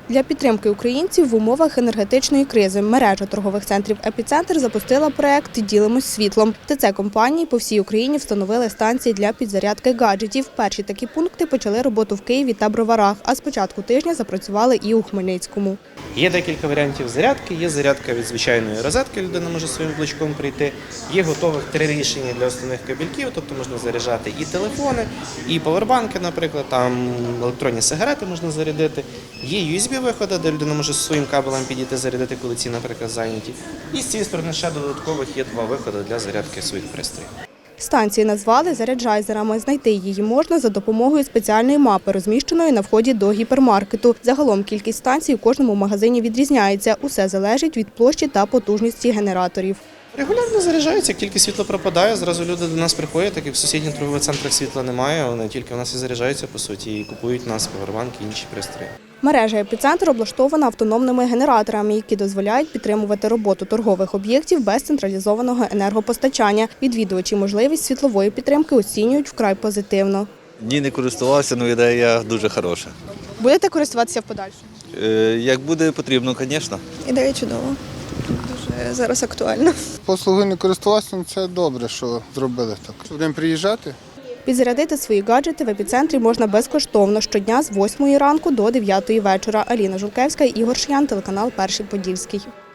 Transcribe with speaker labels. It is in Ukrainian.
Speaker 1: Для підтримки українців в умовах енергетичної кризи мережа торгових центрів «Епіцентр» запустила проект «Ділимось світлом». ТЦ-компанії по всій Україні встановили станції для підзарядки гаджетів. Перші такі пункти почали роботу в Києві та Броварах, а з початку тижня запрацювали і у Хмельницькому.
Speaker 2: Є декілька варіантів зарядки. Є зарядка від звичайної розетки, людина може своїм блочком прийти. Є готових 3 рішення для основних кабельків, тобто можна заряджати і телефони, і павербанки, наприклад, там електронні сигарети можна зарядити. Є USB-виходи, де людина може своїм кабелем підійти зарядити, коли ці, наприклад, зайняті. І з цієї сторони ще додаткових є 2 виходи для зарядки своїх пристроїв.
Speaker 1: Станції назвали заряджайзерами. Знайти її можна за допомогою спеціальної мапи, розміщеної на вході до гіпермаркету. Загалом кількість станцій у кожному магазині відрізняється. Усе залежить від площі та потужності генераторів.
Speaker 2: Регулярно заряджаються, як тільки світло пропадає, зразу люди до нас приходять, так як в сусідніх торгових центрах світла немає, вони тільки у нас і заряджаються, по суті, і купують у нас павербанки і інші пристрої.
Speaker 1: Мережа «Епіцентр» облаштована автономними генераторами, які дозволяють підтримувати роботу торгових об'єктів без централізованого енергопостачання. Відвідувачі можливість світлової підтримки оцінюють вкрай позитивно.
Speaker 3: Ні, не користувався, але ідея дуже хороша.
Speaker 1: Будете користуватися в подальшому?
Speaker 3: Як буде потрібно, звісно.
Speaker 4: Ідея чудова. Дуже зараз актуальна.
Speaker 5: Послугою не користувався, це добре, що зробили так. Будемо приїжджати.
Speaker 1: Підзарядити свої гаджети в «Епіцентрі» можна безкоштовно щодня з 8 ранку до 9 вечора. Аліна Жулкевська, Ігор Шиян, телеканал «Перший Подільський».